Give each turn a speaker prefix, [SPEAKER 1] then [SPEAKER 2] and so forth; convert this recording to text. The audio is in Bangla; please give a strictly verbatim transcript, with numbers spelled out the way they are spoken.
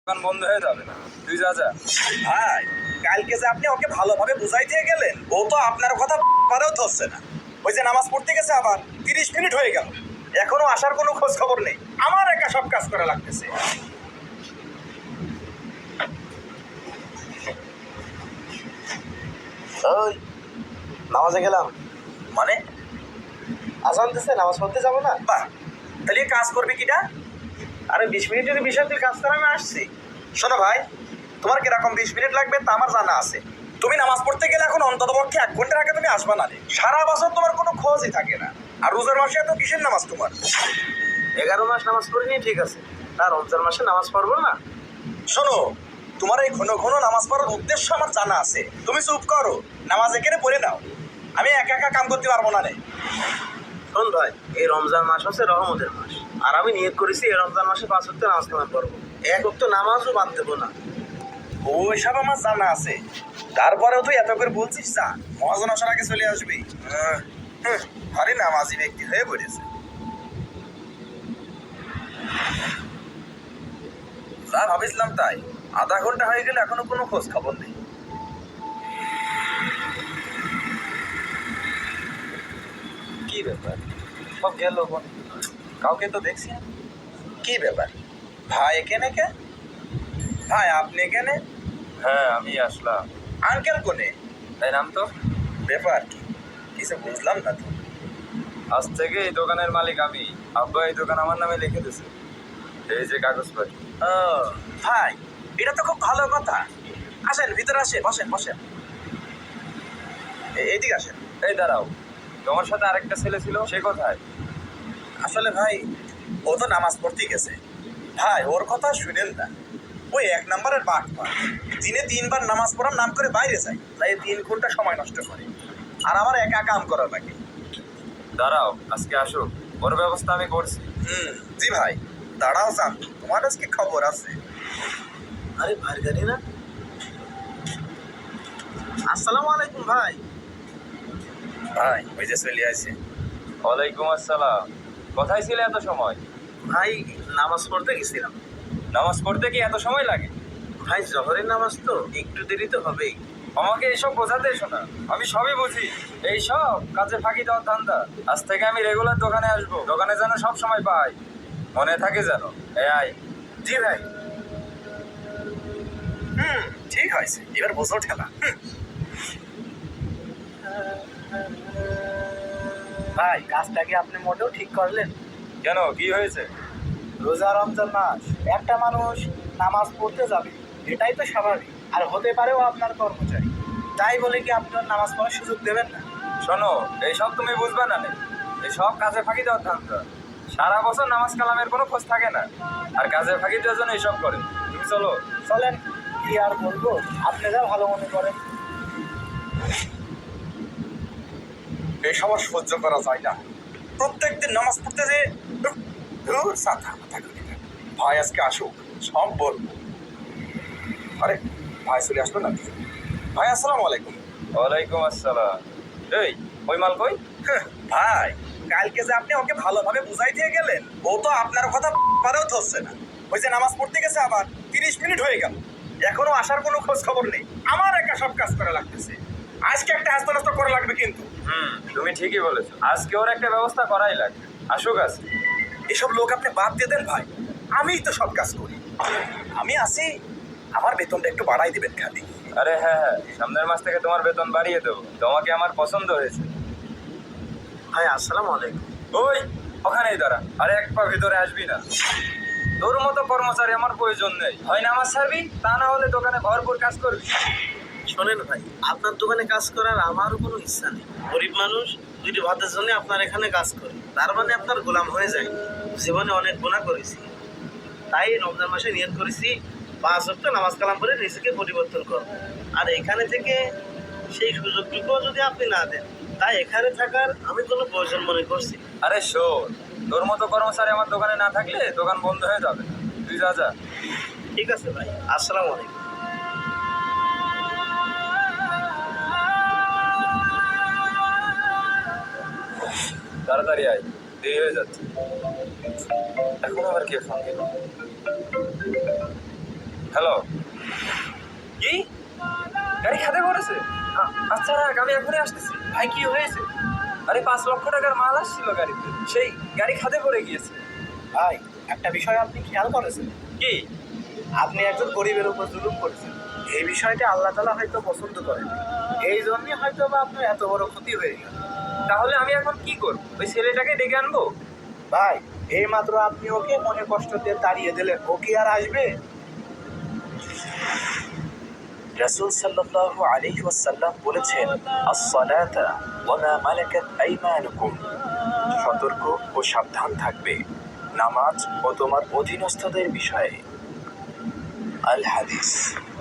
[SPEAKER 1] দোকান বন্ধ হয়ে যাবে না। তুই যা যা।
[SPEAKER 2] ভাই, কালকে যে আপনি ওকে ভালোভাবে বুঝাই দিয়ে গেলেন, ও তো আপনার কথা পারেও ধরছে না। ওই যে নামাজ পড়তে গেছে আবার তিরিশ মিনিট হয়ে গেল, এখনো আসার কোনো খোঁজ খবর নেই। আমার একা সব কাজ করা লাগতেছে। ওই নামাজে গেলাম মানে আজান দিচ্ছে, নামাজ পড়তে যাবো না? বাহ, তাহলে কাজ করবি কিটা? আরে বিশ মিনিট যদি বিষয় তুই কাজ করে আমি আসছি। শোনো ভাই, তোমার কিরকম বিশ মিনিট লাগবে তা আমার জানা আছে। তুমি নামাজ পড়তে গেলে এখন অন্তত পক্ষে এক ঘন্টার আগে তুমি আসবা না রে। সারা বছর তোমার কোনো খোঁজই থাকে না। আর রোজার মাসে এত কিসের নামাজ তোমার? এগারো মাস নামাজ পড়িনি ঠিক আছে, আর রমজান মাসে নামাজ পড়বো না? শোনো, তোমার এই ঘন ঘন নামাজ পড়ার উদ্দেশ্য আমার জানা আছে। তুমি চুপ করো, নামাজ এখানে পড়ে নাও। আমি একা একা কাম করতে পারবো না রে। শোন ভাই, এই রমজান মাস হচ্ছে রহমতের মাস, আর আমি নিয়ত করেছি এই রমজান মাসে পাঁচ ওয়াক্ত নামাজ কালাম করবো। এক ওয়াক্ত নামাজও বাদ দেবো না। ওইসব আমার জানা আছে, তারপরেও তুই এত করে বলছিস যা, মহাজন আসার আগে চলে আসবি। আরে নামাজি ব্যক্তি হয়ে পড়েছে। যা ভাবিছিলাম তাই, আধা ঘন্টা হয়ে গেলে এখনো কোনো খোঁজ খবর নেই।
[SPEAKER 1] কি ব্যাপার, সব গেল বোন, কাউকে তো দেখছি না।
[SPEAKER 2] কি ব্যাপার ভাই, এখানে কে? ভাই আপনি এখানে?
[SPEAKER 1] হ্যাঁ আমি আসলাম।
[SPEAKER 2] আঙ্কেল কোনে?
[SPEAKER 1] তাই নাম তো।
[SPEAKER 2] ব্যাপার কি কিছু বুঝলাম না তো।
[SPEAKER 1] আজ থেকে এই দোকানের মালিক আমি। আব্বা এই দোকান আমার নামে লিখে দিছে। এই যে কাগজপত্র।
[SPEAKER 2] ও ভাই, এটা তো খুব ভালো কথা। আসেন ভিতরে, আসে বসেন বসেন। এ- এদিকে আসেন।
[SPEAKER 1] এই দাঁড়াও, তোমার সাথে আরেকটা ছেলে ছিল, সে কোথায়?
[SPEAKER 2] আসলে ভাই, ও তো নামাজ পড়তে গেছে। ভাই ওর কথা শুনেন না, ওই এক নম্বরের বাট পা। দিনে তিনবার নামাজ পড়ার নাম করে বাইরে যায়, তাই তিন ঘন্টা সময় নষ্ট করে। আর আমার একা কাম করা লাগে।
[SPEAKER 1] দাঁড়াও, আজকে আসো, ওর ব্যবস্থা আমি করছি।
[SPEAKER 2] হুম জি ভাই, দাঁড়াও যান, তোমার আজকে খবর আছে। আরে ভাই গাড়ি না। আসসালামু আলাইকুম ভাই। ভাই ওই যে চলে আসে।
[SPEAKER 1] ওয়ালাইকুম আসসালাম। কোথায় ছিলে এত সময়?
[SPEAKER 2] ভাই নামাজ পড়তে গেছিলাম।
[SPEAKER 1] নামাজ পড়তে কি এত সময় লাগে?
[SPEAKER 2] ভাই জহরের নামাজ তো একটু দেরি তো হবেই।
[SPEAKER 1] আমাকে এইসব বোঝাতে এসো না, আমি সবই বুঝি। এইসব কাজে ফাঁকি দেওয়ার ধান্দা। আজ থেকে আমি রেগুলার দোকানে আসবো, দোকানে যেন সব সময় পাই, মনে থাকে যেন। এই আয়।
[SPEAKER 2] জি ভাই। হুম ঠিক হয়েছে, এবার বসো ঠেলা। হুম। ভাই কাজটা কি আপনি মোটেও ঠিক করলেন?
[SPEAKER 1] কেন, কি হয়েছে?
[SPEAKER 2] রোজা রমজান মাস, একটা মানুষ নামাজ পড়তে যাবে, এটাই তো স্বাভাবিক। আর হতে পারেও আপনার কর্মচারী, তাই বলে কি আপনার নামাজ পড়ার সুযোগ দেবেন না?
[SPEAKER 1] শোনো, এইসব তুমি বুঝবে না নে। এইসব কাজে ফাঁকি দেওয়ার ধান্দা। সারা বছর নামাজ কালামের কোনো খোঁজ থাকে না, আর কাজে ফাঁকি দেওয়ার জন্য এইসব করে। তুমি চলো।
[SPEAKER 2] চলেন, কি আর বলবো, আপনি যা ভালো মনে করেন। এসব আর সহ্য করা যায় না। প্রত্যেকদিন নামাজ পড়তে যে ধুর, সাথা মাথা করি না। ভাই আজকে আসুক, সব বলবো। আরে ভাই চলে আসলো না? ভাই আসসালামু আলাইকুম।
[SPEAKER 1] ওয়ালাইকুম আসসালাম। এই, ওই মাল কই?
[SPEAKER 2] হ্যাঁ, ভাই কালকে যে আপনি ওকে ভালোভাবে বুঝাই দিয়ে গেলেন, ও তো আপনার কথা পারেও ধরছে না। ওই যে নামাজ পড়তে গেছে আবার তিরিশ মিনিট হয়ে গেল, এখনো আসার কোনো খোঁজ খবর নেই। আমার একা সব কাজ করা লাগতেছে। আজকে একটা হাস্তা নাস্তা করা লাগবে কিন্তু।
[SPEAKER 1] হুম, তুমি ঠিকই বলেছো, আজকে ওর একটা ব্যবস্থা করাই লাগবে। আসুক আজকে।
[SPEAKER 2] এসব লোক আপনি বাদ দিয়ে দেন ভাই, আমিই তো সব কাজ করি। আমি আসি, আমার বেতনটা একটু বাড়াই দিবেন খালি।
[SPEAKER 1] আরে হ্যাঁ হ্যাঁ, সামনের মাস থেকে তোমার বেতন বাড়িয়ে দেবো। তোমাকে আমার পছন্দ হয়েছে।
[SPEAKER 2] ভাই আসসালামু আলাইকুম।
[SPEAKER 1] ওই ওখানেই দাঁড়া, আরে এক পা ভিতরে আসবি না। তোর মতো কর্মচারী আমার প্রয়োজন নেই। হয় নামাজ ছাড়বি, তা না হলে দোকানে ভরপুর কাজ করবি।
[SPEAKER 2] শোনেন ভাই, আপনার দোকানে কাজ করার আমারও কোনো ইচ্ছা নেই। গরিব মানুষ, দুইটি ভাতের জন্য আপনার এখানে কাজ করি, তার মানে আপনার গোলাম হয়ে যায়। জীবনে অনেক গুনাহ করেছি, তাই রমজান মাসে নিয়ত করেছি পাঁচ ওয়াক্ত নামাজ কালাম করে নিজেকে পরিবর্তন করব। আর এখানে থেকে সেই সুযোগটুকুও যদি আপনি না দেন, তাই এখানে থাকার আমি কোনো প্রয়োজন মনে করছি।
[SPEAKER 1] আরে শোন, তোর মতো কর্মচারী আমার দোকানে না থাকলে দোকান বন্ধ হয়ে যাবে। তুই যা যা।
[SPEAKER 2] ঠিক আছে ভাই, আসসালামু আলাইকুম।
[SPEAKER 1] তাড়াতাড়ি আয়, দেরি হয়ে যাচ্ছে। এখন আবার কে ফোন দিল? হ্যালো, কি গাড়ি খাদে পড়েছে? আ- আচ্ছা রাখ, আমি এখনই আসতেছি। ভাই কি হয়েছে? আরে পাঁচ লক্ষ টাকার মাল আসছিল গাড়িতে, সেই গাড়ি খাদে পড়ে গিয়েছে।
[SPEAKER 2] ভাই একটা বিষয় আপনি খেয়াল করেছেন?
[SPEAKER 1] কি?
[SPEAKER 2] আপনি একজন গরিবের উপর জুলুম করেছেন। এই বিষয়টা আল্লাহ তাআলা হয়তো পছন্দ করেন, এই জন্যই হয়তো বা আপনার এত বড় ক্ষতি হয়ে গেল।
[SPEAKER 1] তাহলে আমি এখন কি করব? ওই ছেলেটাকে ডেকে আনবো?
[SPEAKER 2] ভাই এই মাত্র আপনি ওকে মনে কষ্ট দিয়ে তাড়িয়ে দিলেন, ও কি আর আসবে? রাসূল সাল্লাল্লাহু আলাইহি ওয়াসাল্লাম বলেছেন, আস-সালাতা ওয়া মা মালাকাত আইমানুকুম, সতর্ক ও সাবধান থাকবে নামাজ ও তোমার অধীনস্থদের বিষয়ে। আল হাদিস।